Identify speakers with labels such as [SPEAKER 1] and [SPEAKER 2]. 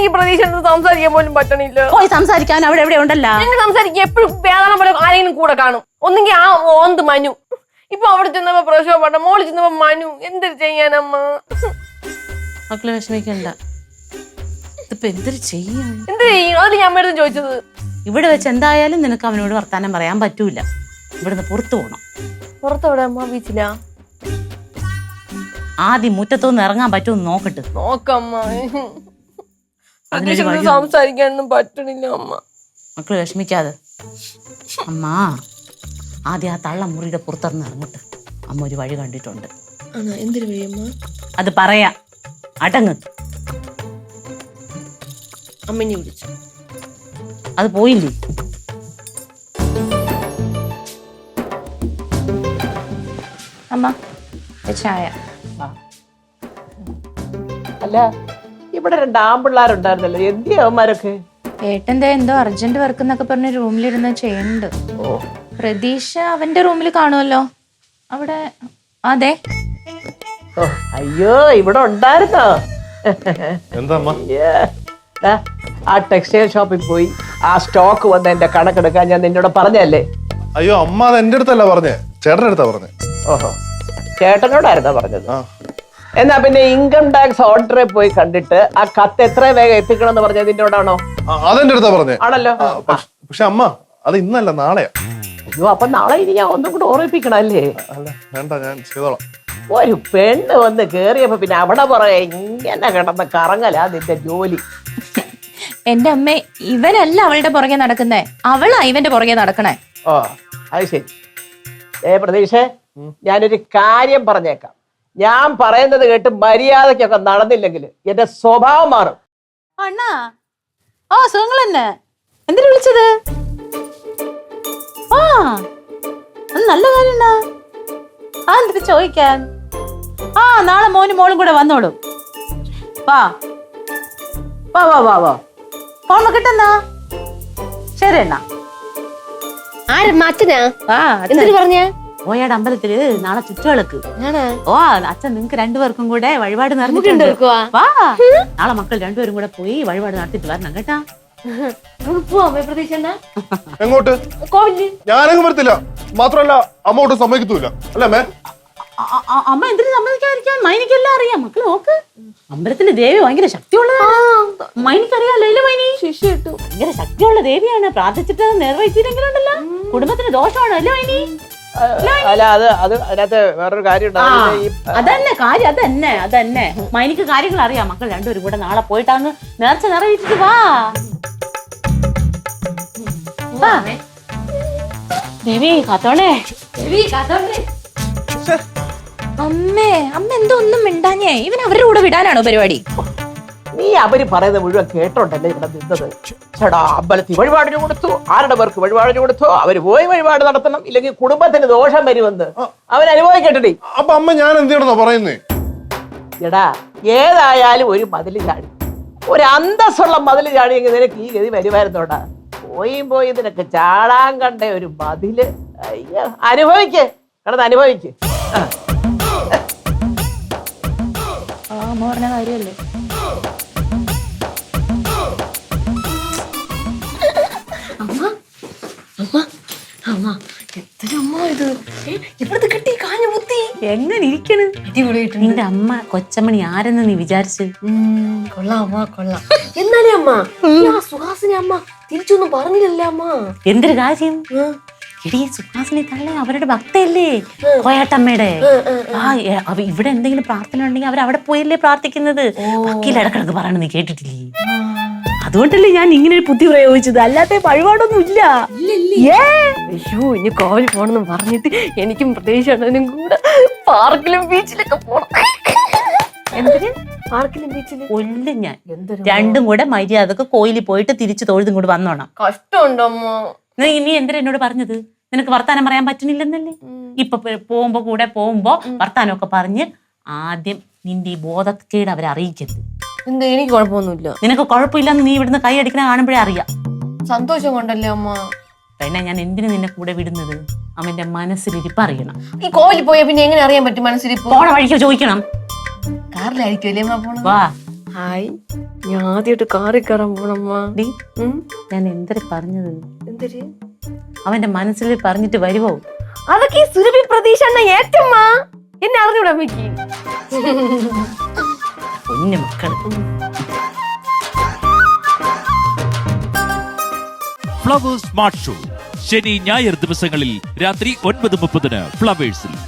[SPEAKER 1] എനിക്ക് പ്രതീക്ഷ സംസാരിക്കാൻ പോലും പറ്റണില്ല.
[SPEAKER 2] പോയി സംസാരിക്കാൻ അവിടെ എവിടെ ഉണ്ടല്ലോ.
[SPEAKER 1] ഞങ്ങൾ സംസാരിക്കും എപ്പോഴും വേദന പോലെ ആരെങ്കിലും കൂടെ കാണും. ഒന്നെങ്കിൽ ആ ഓന്ത് മനു, ഇപ്പൊ അവിടെ ചെന്നപ്പോ പ്രസവപ്പെട്ട, മോള് ചെന്നപ്പോ മനു. എന്തൊരു ചെയ്യാനമ്മ?
[SPEAKER 2] മക്കള് വിഷമിക്കണ്ട. ഇതിപ്പോ എന്തൊരു ചെയ്യും?
[SPEAKER 1] എന്ത് ചെയ്യും? അതിന് ഞാൻ അമ്മയുടെ ചോദിച്ചത്.
[SPEAKER 2] ഇവിടെ വെച്ച് എന്തായാലും നിനക്ക് അവനോട് വർത്താനം പറയാൻ പറ്റൂല. ഇവിടുന്ന് പുറത്തു പോണം.
[SPEAKER 1] പുറത്തെവിടെ അമ്മ? ബീച്ചിലാ?
[SPEAKER 2] ആദ്യം മുറ്റത്തൊന്ന് ഇറങ്ങാൻ പറ്റുമെന്ന് നോക്കട്ട്.
[SPEAKER 1] നോക്കമ്മ, സംസാരിക്കാനൊന്നും പറ്റണില്ല അമ്മ.
[SPEAKER 2] മക്കള് വിഷമിക്കാതെ. അമ്മ ആദ്യം ആ തള്ള മുറിയുടെ പുറത്തിറന്ന് ഇറങ്ങട്ട്. അമ്മ ഒരു വഴി കണ്ടിട്ടുണ്ട്.
[SPEAKER 1] എന്തൊരു വഴി അമ്മ?
[SPEAKER 2] അത് പറയാ. അടങ്ങ്.
[SPEAKER 1] അമ്മനെ വിളിച്ചു.
[SPEAKER 2] അത് പോയില്ലേ?
[SPEAKER 3] അമ്മ ചായ.
[SPEAKER 4] അല്ല, ഇവിടെ 2 ആൺപിള്ളേരുണ്ടായിരുന്നല്ലോ, എന്തിയാ അവന്മാരൊക്കെ?
[SPEAKER 3] ഏട്ടന്റെ എന്തോ അർജന്റ് വർക്ക് എന്നൊക്കെ പറഞ്ഞ് റൂമിലിരുന്ന് ചെയ്യുന്നുണ്ട്. പ്രതീക്ഷ അവന്റെ റൂമിൽ കാണുമല്ലോ അവിടെ. അതെ.
[SPEAKER 4] അയ്യോ, ഇവിടെ ഉണ്ടായിരുന്നോ? ആ ടെക്സ്റ്റൈൽ ഷോപ്പിൽ പോയി ആ സ്റ്റോക്ക് വന്ന് എന്റെ കണക്കെടുക്കാൻ ഞാൻ നിന്നോട് പറഞ്ഞല്ലേ?
[SPEAKER 5] അയ്യോ അമ്മ, അത് എന്റെ അടുത്തല്ല പറഞ്ഞേ, ചേട്ടന്റെ അടുത്താ പറഞ്ഞേ.
[SPEAKER 4] ഓഹോ, ചേട്ടനോടായിരുന്നോ പറഞ്ഞത്? എന്നാ പിന്നെ ഇൻകം ടാക്സ് ഓർഡറെ പോയി കണ്ടിട്ട് ആ കത്ത് എത്ര വേഗം എത്തിക്കണം എന്ന് പറഞ്ഞത് നിന്നോടാണോ?
[SPEAKER 5] അതെന്റെ അടുത്താ പറഞ്ഞേ.
[SPEAKER 4] ആണല്ലോ.
[SPEAKER 5] പക്ഷെ അമ്മ, അത് ഇന്നല്ല, നാളെയാ.
[SPEAKER 4] അയ്യോ, അപ്പൊ നാളെ ഇനി ഞാൻ ഒന്നും കൂടെ ഓർമ്മിപ്പിക്കണം അല്ലേ?
[SPEAKER 5] അല്ല വേണ്ട, ഞാൻ ചെയ്തോളാം.
[SPEAKER 4] ഒരു പെണ്ണ് വന്ന് കേറിയപ്പോ പിന്നെ അവിടെ പറയാ ഇങ്ങനെ കിടന്ന് കറങ്ങലാ നിന്റെ ജോലി.
[SPEAKER 3] എന്റെ അമ്മ, ഇവനല്ല അവളുടെ പുറകെ നടക്കുന്നേ, അവളാ ഇവന്റെ പുറകെ നടക്കണേ.
[SPEAKER 4] ഓ, അത് ശരി. പ്രതീക്ഷ, ഞാനൊരു കാര്യം പറഞ്ഞേക്കാം. ഞാൻ പറയുന്നത് കേട്ട് മര്യാദക്കൊക്കെ നടന്നില്ലെങ്കിൽ എന്റെ സ്വഭാവം മാറും.
[SPEAKER 2] അണ്ണാ, ആ സുഖങ്ങൾ തന്നെ. എന്തിനു വിളിച്ചത്? ആ, നല്ല കാര്യം. ആ, എന്തിനു ചോദിക്കാൻ? ആ, നാളെ മോനും മോളും കൂടെ വന്നോളൂ. വാ വാ വാ വാ വാ. ഫോൺ നോക്കിട്ടെന്നാ. ശരി എന്നാ.
[SPEAKER 1] അച്ഛനാ?
[SPEAKER 2] എന്തിനു
[SPEAKER 1] പറഞ്ഞ?
[SPEAKER 2] ഓയാട് അമ്പലത്തില് നാളെ ചുറ്റുവിളക്ക്. ഓ, അച്ഛൻ നിങ്ങക്ക് 2 പേർക്കും കൂടെ വഴിപാട് നടന്നിട്ടുണ്ട്. വാ, നാളെ മക്കൾ 2 പേരും കൂടെ പോയി വഴിപാട് നടത്തിട്ട് വരണം കേട്ടാ.
[SPEAKER 5] എങ്ങോട്ട്? ഞാനങ്ങ് വരത്തില്ല. മാത്രല്ല അമ്മ ഒട്ടും സമ്മതിക്കത്തൂല. അല്ലേ അമ്മേ?
[SPEAKER 2] അമ്മ എന്തിനു സമ്മതിക്കാതിരിക്കാൻ? മൈനിക്കെല്ലാം അറിയാം. മക്കൾ നോക്ക്, അമ്പലത്തിലെ ദേവി ഭയങ്കര ശക്തിയുള്ളതാണ്. മൈനിക്കറിയാലോ അല്ലേ? മൈനി ഭയങ്കര ശക്തിയുള്ള ദേവിയാണ്. പ്രാർത്ഥിച്ചിട്ട് നിർവഹിച്ചില്ലെങ്കിലുണ്ടല്ലോ കുടുംബത്തിന് ദോഷമാണ് അല്ലേ മൈനി?
[SPEAKER 4] അല്ല, അത് അതിനകത്ത് വേറൊരു കാര്യം
[SPEAKER 2] അതന്നെ കാര്യം. അതന്നെ മൈനിക്ക് കാര്യങ്ങൾ അറിയാം. മക്കൾ 2 പേരും കൂടെ നാളെ പോയിട്ടാന്ന് നേർച്ച നിറവേറ്റിട്ട് വാ. ദേവി കാത്തോളേ.
[SPEAKER 3] അമ്മേ, അമ്മ എന്തോ ഒന്നും മിണ്ടാഞ്ഞേ. ഇവൻ അവരുടെ കൂടെ വിടാനാണോ പരിപാടി?
[SPEAKER 4] നീ അവര് പറയുന്നത് മുഴുവൻ കേട്ടോണ്ടല്ലേ ഇവിടെ നിന്നത്? ചേടാ, അമ്പലത്തിൽ വഴിപാടിന് കൊടുത്തു, ആരുടെ പേർക്ക് വഴിപാടിന് കൊടുത്തു, അവര് പോയി വഴിപാട് നടത്തണം, ഇല്ലെങ്കിൽ കുടുംബത്തിന് ദോഷം വരുമെന്ന് അവൻ അനുഭവിക്കട്ടെ.
[SPEAKER 5] അപ്പൊ അമ്മ ഞാൻ എന്ത് ചെയ്യണമെന്നാ പറയുന്നേ?
[SPEAKER 4] എടാ, ഏതായാലും ഒരു മതില് ചാടി, ഒരു അന്തസ്സുള്ള മതില് ചാടിയെങ്കിൽ നിനക്ക് ഈ ഗതി വരുമായിരുന്നോടാ. പോയി നിനക്ക് ചാടാൻ കണ്ട ഒരു മതില്. അയ്യോ, അനുഭവിക്ക്, കിടന്ന് അനുഭവിക്ക്.
[SPEAKER 3] അമ്മ പറഞ്ഞ കാര്യല്ലേ?
[SPEAKER 2] എങ്ങനെ ഇരിക്കണ് നിന്റെ അമ്മ? കൊച്ചമണി ആരെന്ന് നീ വിചാരിച്ചു?
[SPEAKER 1] കൊള്ളാം അമ്മ, കൊള്ളാം. എന്നാലേ അമ്മ സുഹാസിനി അമ്മ തിരിച്ചൊന്നും പറഞ്ഞില്ലല്ലേ അമ്മ?
[SPEAKER 2] എന്തൊരു കാര്യം? എടീ, സുഹാസിനി തള്ള അവരുടെ ഭക്തയല്ലേ, കോയാട്ടമ്മയുടെ. ഇവിടെ എന്തെങ്കിലും പ്രാർത്ഥന ഉണ്ടെങ്കിൽ അവരവിടെ പോയല്ലേ പ്രാർത്ഥിക്കുന്നത്. വക്കീൽ ഇടക്കിടക്ക് പറയണത് നീ കേട്ടിട്ടില്ലേ? അതുകൊണ്ടല്ലേ ഞാൻ ഇങ്ങനെ ഒരു ബുദ്ധി പ്രയോഗിച്ചത്, അല്ലാത്ത വഴിപാടൊന്നും ഇല്ല.
[SPEAKER 1] അയ്യോ, ഇനി കോവിൽ പോണെന്ന് പറഞ്ഞിട്ട് എനിക്കും പ്രതീക്ഷനും കൂടെ പാർക്കിലും ബീച്ചിലൊക്കെ പോണം.
[SPEAKER 2] എന്തിന്?
[SPEAKER 1] പാർക്കിലും ബീച്ചിലും
[SPEAKER 2] കൊല്ലും ഞാൻ. 2 കൂടെ മര്യാദക്ക് കോയിലിൽ പോയിട്ട് തിരിച്ചു തൊഴുതും കൂടെ വന്നോണം.
[SPEAKER 1] കഷ്ടമുണ്ടോ അമ്മ?
[SPEAKER 2] നീ എന്തിനാ എന്നോട് പറഞ്ഞത്? നിനക്ക് വർത്താനം പറയാൻ പറ്റുന്നില്ലെന്നല്ലേ? ഇപ്പൊ പോകുമ്പോ വർത്താനമൊക്കെ പറഞ്ഞ് ആദ്യം നിന്റെ ഈ ബോധക്കേട് അവരെ അറിയിക്കരുത്.
[SPEAKER 1] എന്താ? എനിക്ക് കുഴപ്പമൊന്നുമില്ല.
[SPEAKER 2] നിനക്ക് കുഴപ്പമില്ലെന്ന് നീ ഇവിടുന്ന് കൈ അടിക്കണ കാണുമ്പോഴേ അറിയാം.
[SPEAKER 1] സന്തോഷം കൊണ്ടല്ലേ അമ്മ?
[SPEAKER 2] പിന്നെ ഞാൻ എന്തിനു നിന്നെ കൂടെ വിടുന്നത്? അവന്റെ മനസ്സിലിരിപ്പ് അറിയണം.
[SPEAKER 1] ഈ കോവിൽ പോയാ പിന്നെ എങ്ങനെ അറിയാൻ പറ്റും മനസ്സിലിരിപ്പ്?
[SPEAKER 2] പോണ വഴിക്ക് ചോദിക്കണം.
[SPEAKER 1] കാറിലായിരിക്കും അല്ലേ അമ്മ പോണത്?
[SPEAKER 2] വാ,
[SPEAKER 1] ഹായ് ഞാൻ ആദ്യമായിട്ട് കാറി കയറാൻ പോണമ്മ.
[SPEAKER 2] ഡി ഞാൻ എന്തൊരു പറഞ്ഞത്?
[SPEAKER 1] എന്തൊരു
[SPEAKER 2] അവന്റെ മനസ്സിൽ പറഞ്ഞിട്ട് വരുവോ?
[SPEAKER 1] അതൊക്കെ ഈ സുരഭി പ്രതീക്ഷ ഏറ്റമ്മ എന്നെ അറിഞ്ഞൂടാ അമ്മയ്ക്ക്.
[SPEAKER 2] കുഞ്ഞു മക്കള്.
[SPEAKER 6] ഫ്ലവേഴ്സ് സ്മാർട്ട് ഷോ ശനി ഞായർ ദിവസങ്ങളിൽ രാത്രി 9:30 ഫ്ലവേഴ്സിൽ.